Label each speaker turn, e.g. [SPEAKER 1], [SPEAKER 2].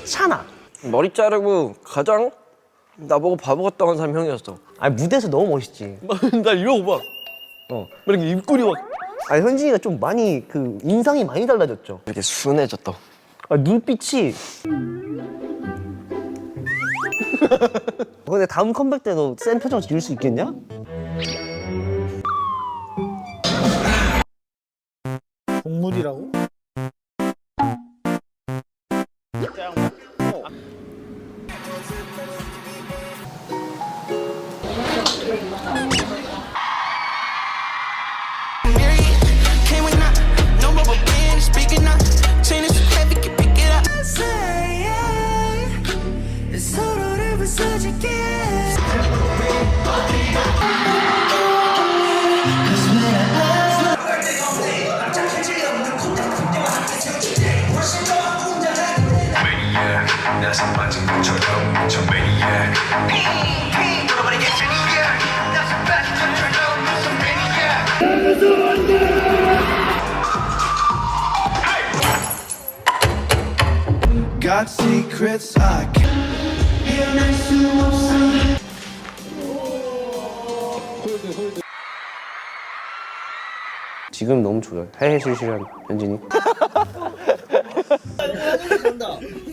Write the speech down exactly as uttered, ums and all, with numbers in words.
[SPEAKER 1] 차나.
[SPEAKER 2] 머리 자르고 가장 나보고 바보 같다고 한 사람이 형이었어.
[SPEAKER 1] 아니 무대에서 너무 멋있지.
[SPEAKER 2] 나 이러고 막 어, 이렇게 입꼬리 막
[SPEAKER 1] 아니 현진이가 좀 많이 그 인상이 많이 달라졌죠.
[SPEAKER 2] 이렇게 순해졌다.
[SPEAKER 1] 아, 눈빛이. 근데 다음 컴백 때도 센 표정 지을 수 있겠냐?
[SPEAKER 3] 동물이라고?
[SPEAKER 4] Got secrets I can't hear 수 없어.
[SPEAKER 1] 지금 너무 좋아요. 해해실실한 현진이.